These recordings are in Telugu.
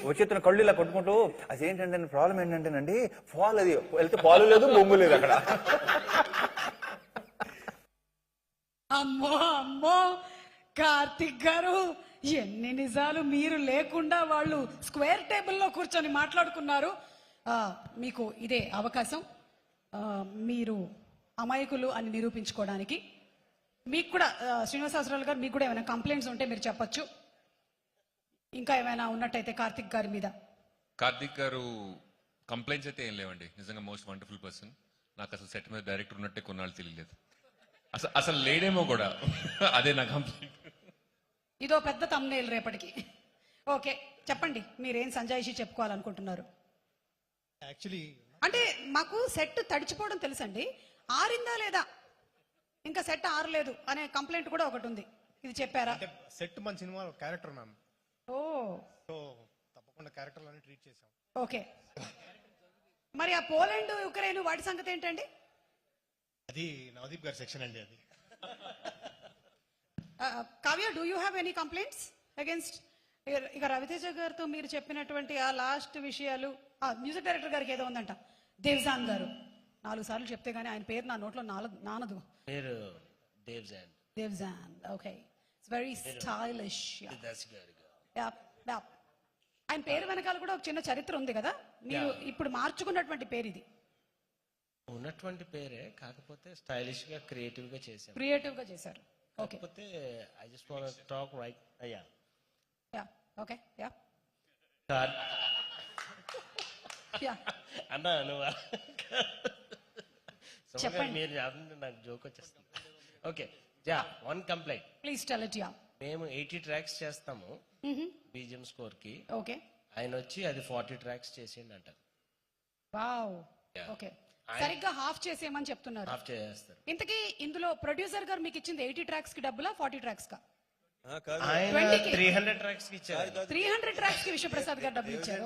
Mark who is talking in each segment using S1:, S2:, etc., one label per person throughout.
S1: వచ్చేస్తున్న కళ్ళు ఇలా కొట్టుకుంటూ అదేంటంటే ప్రాబ్లం ఏంటంటేనండి ఫాల్ అది వెళ్తే పాలు లేదు బొంగు లేదు అక్కడ.
S2: అమ్మో అమ్మో కార్తిక్ గారు, ఎన్ని నిజాలు మీరు లేకుండా వాళ్ళు స్క్వేర్ టేబుల్లో కూర్చొని మాట్లాడుకున్నారు. మీకు ఇదే అవకాశం, మీరు అమాయకులు అని నిరూపించుకోవడానికి. మీకు కూడా శ్రీనివాసరావు గారు, మీకు కూడా ఏమైనా కంప్లైంట్స్ ఉంటే మీరు చెప్పొచ్చు. ఇంకా ఏమైనా ఉన్నట్టయితే కార్తిక్ గారి మీద.
S3: కార్తిక్ గారు కంప్లైంట్స్ అయితే ఏం లేవండి, నిజంగా మోస్ట్ వండర్ఫుల్ పర్సన్. నాకు అసలు సెట్ మీద డైరెక్టర్ ఉన్నట్టే కొన్నాళ్ళు తెలియలేదు, అసలు లేడేమో కూడా. అదే నా కంప్లైంట్.
S2: ఇదో పెద్ద తమ్నేల్ రేపటికి. ఓకే, చెప్పండి మీరేం సంజాయిషి చెప్పుకోవాలనుకుంటున్నారు.
S4: యాక్చువల్లీ
S2: అంటే మాకు సెట్ తడిచిపోవడం తెలుసండి, ఆరిందా లేదా, ఇంకా సెట్ ఆరలేదు అనే కంప్లైంట్ కూడా ఒకటి ఉంది. ఇది చెప్పారా?
S4: సెట్ మన cinema character ma'am.
S2: Oh,
S4: so తప్పకుండా క్యారెక్టర్లను ట్రీట్ చేసాం.
S2: ఓకే, మరి ఆ పోలాండ్ యుక్రెయిన్ వాటి సంగతి ఏంటండి?
S4: అది నవదీప్ గారి సెక్షన్ అండి. అది
S2: Kavya, do you have any complaints against? ఇక రవితేజ గారితో మీరు చెప్పినటువంటి ఆ లాస్ట్ విషయాలు, మ్యూజిక్ డైరెక్టర్ గారికి ఏదో ఉందంట, దేవ్జాన్ గారు. 4 సార్లు చెప్తే గానీ ఆయన పేరు నా నోట్లో నానదు. దేవ్జాన్, ఓకే, ఇట్స్ వెరీ స్టైలిష్. ఆయన పేరు వెనకాల కూడా ఒక చిన్న చరిత్ర ఉంది కదా, మీరు ఇప్పుడు మార్చుకున్నటువంటి పేరు ఇది?
S5: ఉన్నటువంటి పేరే, కాకపోతే స్టైలిష్ గా క్రియేటివ్ గా చేశారు.
S2: Okay,
S5: I just want to talk right.
S2: Okay,
S5: అన్నా నువ్వు
S2: చెప్పండి.
S5: మీరు నాకు జోక్ వచ్చేస్తుంది. Okay, one complaint
S2: please tell it.
S5: మేము 80 ట్రాక్స్ చేస్తాము బీజిఎం స్కోర్ కి.
S2: ఓకే,
S5: ఆయన వచ్చి అది 40 ట్రాక్స్ చేసిండు అంట.
S2: వావ్, ఓకే, సరిగ్గా హాఫ్ చేసేయమని చెప్తున్నారు.
S5: హాఫ్ చేస్తారు.
S2: ఇంతకీ ఇందులో ప్రొడ్యూసర్ గారు మీకు ఇచ్చింది 80 ట్రాక్స్ కి డబ్బులా, 40 ట్రాక్స్ కా?
S5: ఆయన 300 ట్రాక్స్ కి ఇచ్చారు.
S2: 300 ట్రాక్స్ కి విశ్వప్రసాద్ గారు డబ్బులు ఇచ్చారు.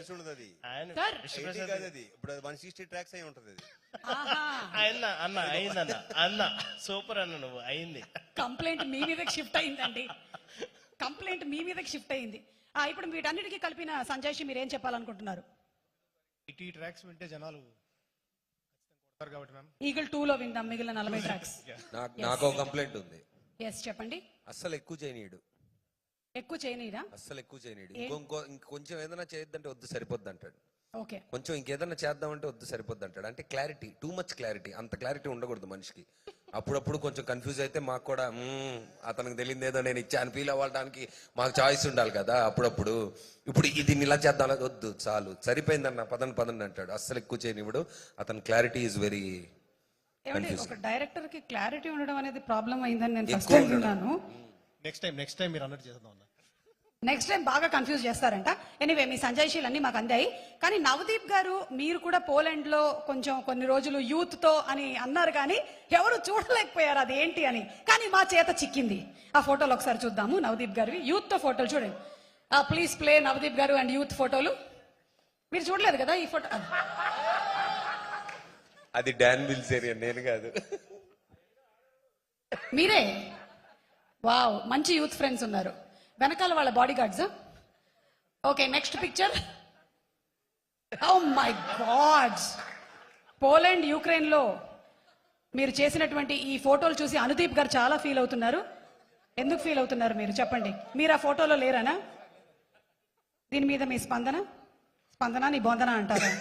S5: అన్న సూపర్ అన్న, నువ్వు అయింది.
S2: కంప్లైంట్ మీ మీదకి షిఫ్ట్ అయిందండి, కంప్లైంట్ మీ మీదకి షిఫ్ట్ అయింది. ఇప్పుడు వీటన్నిటికీ కలిపిన సంజయ్ మీరు ఏం చెప్పాలనుకుంటున్నారు?
S4: 80 ట్రాక్స్ వింటే జనాలు కొడతారు కాబట్టి మ్యామ్.
S2: ఈగల్ 2 లో విందాం మిగిలిన 40 ట్రాక్స్.
S6: నాకు ఒక కంప్లైంట్ ఉంది.
S2: ఎస్, చెప్పండి.
S6: అస్సలు ఎక్కువ చేయనీయడు.
S2: ఎక్కువ చేయనీరా?
S6: అస్సలు ఎక్కువ చేయనీయడు. ఇంకొంచెం ఏదైనా చేయొద్దంటే వద్దు సరిపోద్ది అంటాడు.
S2: ఓకే,
S6: కొంచెం ఇంకేదైనా చేద్దామంటే వద్దు సరిపోద్ది అంటాడు. అంటే క్లారిటీ, టూ మచ్ క్లారిటీ. అంత క్లారిటీ ఉండకూడదు మనిషికి. అప్పుడప్పుడు కొంచెం కన్ఫ్యూజ్ అయితే మాకు కూడా అతనికి తెలియదు ఏదో నేను ఇచ్చాను ఫీల్ అవ్వడానికి మాకు చాయిస్ ఉండాలి కదా అప్పుడప్పుడు. ఇప్పుడు ఇది ఇలా చేద్దాం, వద్దు చాలు సరిపోయిందన్న పదండి అంటాడు. అస్సలు ఎక్కువ చేయనివ్వడు. అతని క్లారిటీ ఈజ్ వెరీ.
S2: ఒక డైరెక్టర్ కి క్లారిటీ ఉండడం అనేది ప్రాబ్లం అయిందని నేను ఫస్ట్ విన్నాను.
S4: నెక్స్ట్ టైం మీరు అన్నట్టు చేద్దాం.
S2: నెక్స్ట్ టైం బాగా కన్ఫ్యూజ్ చేస్తారంట. ఎనీవే, మీ సంజయ్షీలు అన్ని మాకు అందాయి. కానీ నవదీప్ గారు, మీరు కూడా పోలాండ్ లో కొంచెం కొన్ని రోజులు యూత్ తో అని అన్నారు, కానీ ఎవరు చూడలేకపోయారు అది ఏంటి అని. కానీ మా చేత చిక్కింది. ఆ ఫోటోలు ఒకసారి చూద్దాము, నవదీప్ గారివి యూత్ తో ఫోటోలు చూడండి. ప్లీజ్ ప్లే నవదీప్ గారు అండ్ యూత్ ఫోటోలు. మీరు చూడలేదు కదా ఈ ఫోటో?
S6: అది డాన్ బిల్జేరియన్, నేను కాదు.
S2: మీరే? వావ్, మంచి యూత్ ఫ్రెండ్స్ ఉన్నారు. వెనకాల వాళ్ళ body guards. Okay, next picture. Oh my god, Poland Ukraine లో మీరు చేసినటువంటి ఈ ఫోటోలు చూసి అనుదీప్ గారు చాలా ఫీల్ అవుతున్నారు. ఎందుకు ఫీల్ అవుతున్నారు మీరు చెప్పండి? మీరు ఆ ఫోటోలో లేరనా? దీని మీద మీ స్పందన నీ బొందన అంటారా?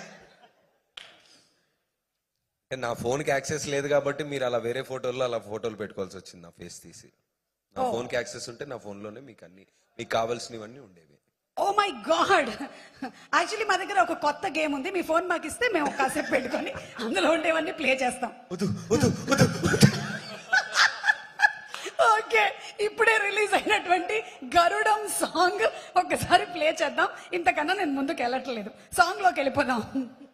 S6: నా ఫోన్ కి యాక్సెస్ లేదు కాబట్టి మీరు అలా వేరే ఫోటోల్లో అలా ఫోటోలు పెట్టుకోవాల్సి వచ్చింది. నా ఫేస్ తీసి. నా ఫోన్ కి యాక్సెస్ ఉంటే నా ఫోన్ లోనే మీకు అన్ని మీకు కావాల్సినవన్నీ ఉండేవి.
S2: ఓ మై గాడ్, యాక్చువల్లీ మా దగ్గర ఒక కొత్త గేమ్ ఉంది. మీ ఫోన్ మాకు ఇస్తే మేము కాసేపు పెట్టుకొని అందులో ఉండేవన్నీ ప్లే చేస్తాం. ఓకే, ఇప్పుడే రిలీజ్ అయినటువంటి గరుడం సాంగ్ ఒక్కసారి ప్లే చేద్దాం. ఇంతకన్నా నేను ముందుకు వెళ్ళట్లేదు, సాంగ్ లోకి వెళ్ళిపోదాం.